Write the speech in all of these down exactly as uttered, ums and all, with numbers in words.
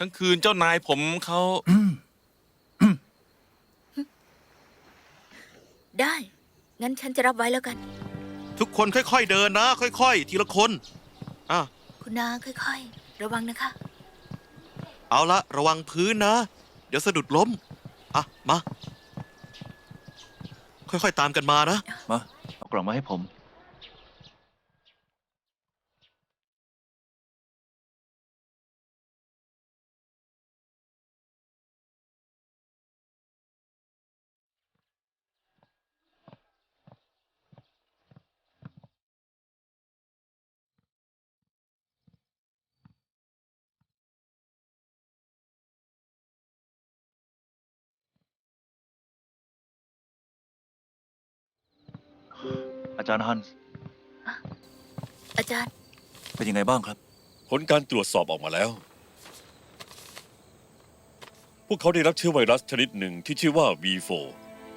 ทั้งคืนเจ้านายผมเขาได้ งั้นฉันจะรับไว้แล้วกันทุกคนค่อยๆเดินนะ ค่อยๆ ทีละคนอ่ะคุณนาค่อยๆ ระวังนะคะเอาละระวังพื้นนะ เดี๋ยวสะดุดล้มอ่ะมา ค่อยๆตามกันมานะมาเอากล่องมาให้ผม อาจารย์ฮันส์อาจารย์เป็นยังไงบ้างครับผลการตรวจสอบออกมาแล้ว พวกเขาได้รับเชื้อไวรัสชนิดหนึ่งที่ชื่อว่า วี โฟร์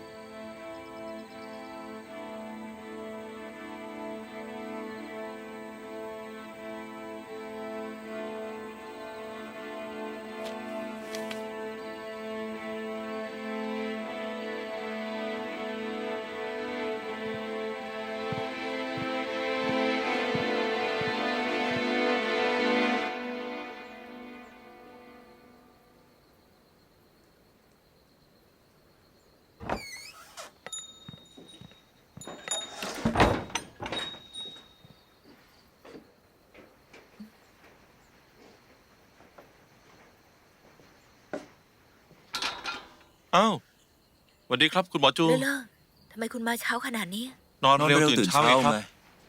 อ้าวสวัสดีครับคุณหมอจูเลอะเลอะทำไมคุณมาเช้าขนาดนี้นอนนอนเร็วเร็วตื่ตื่นนเช้าเช้าไงครับไง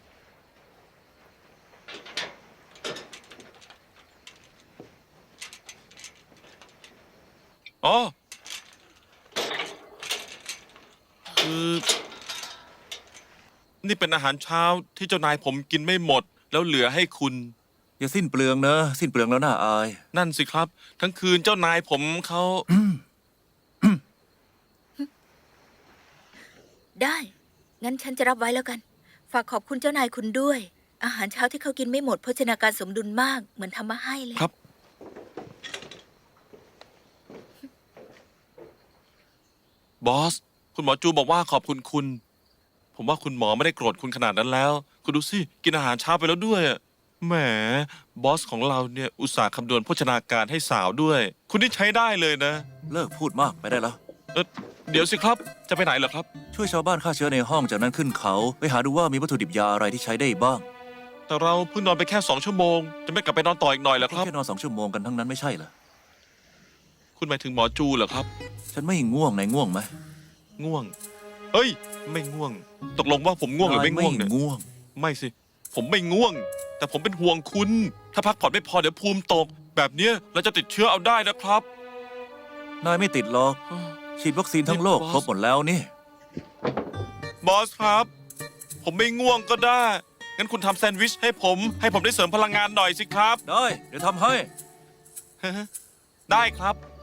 อ๋อคือนี่เป็นอาหารเช้าที่เจ้านายผมกินไม่หมด แล้วเหลือให้คุณอย่าสิ้นเปลืองนะ สิ้นเปลืองแล้วน่าอายนั่นสิครับ ทั้งคืนเจ้านายผมเขาได้ งั้นฉันจะรับไว้แล้วกัน ฝากขอบคุณเจ้านายคุณด้วย อาหารเช้าที่เขากินไม่หมดโภชนาการสมดุลมาก เหมือนทำมาให้เลยครับ บอส คุณหมอจูบอกว่าขอบคุณคุณ ผมว่าคุณหมอไม่ได้โกรธคุณขนาดนั้นแล้ว คุณดูสิ กินอาหารเช้าไปแล้วด้วยอะแหม บอสของเราเนี่ยอุตส่าห์คำนวณโภชนาการให้สาวด้วย คุณนี่ใช้ได้เลยนะเลิกพูดมากไปได้แล้วเออเดี๋ยวสิครับ จะไปไหนเหรอครับช่วยชาวบ้านฆ่าเชื้อในห้องจากนั้นขึ้นเขา ไปหาดูว่ามีวัตถุดิบยาอะไรที่ใช้ได้บ้างแต่เราเพิ่งนอนไปแค่สองชั่วโมง จะไม่กลับไปนอนต่ออีกหน่อยเหรอครับแค่นอนสองชั่วโมงกันทั้งนั้นไม่ใช่เหรอคุณหมายถึงหมอจูเหรอครับฉันไม่ง่วงนายง่วงไหมง่วง เอ้ย ไม่ง่วง ตกลงว่าผมง่วงหรือไม่ง่วงเนี่ยนายง่วงไม่สิ ผมไม่ง่วง แต่ผมเป็นห่วงคุณ ถ้าพักผ่อนไม่พอเดี๋ยวภูมิตก แบบเนี้ยเราจะติดเชื้อเอาได้นะครับนายไม่ติดหรอก ฉีดวัคซีนทั้งโลกนี่บอสครบหมดแล้วนี่บอสครับ ผมไม่ง่วงก็ได้ งั้นคุณทำแซนด์วิชให้ผม ให้ผมได้เสริมพลังงานหน่อยสิครับได้ เดี๋ยวทำให้ได้ครับ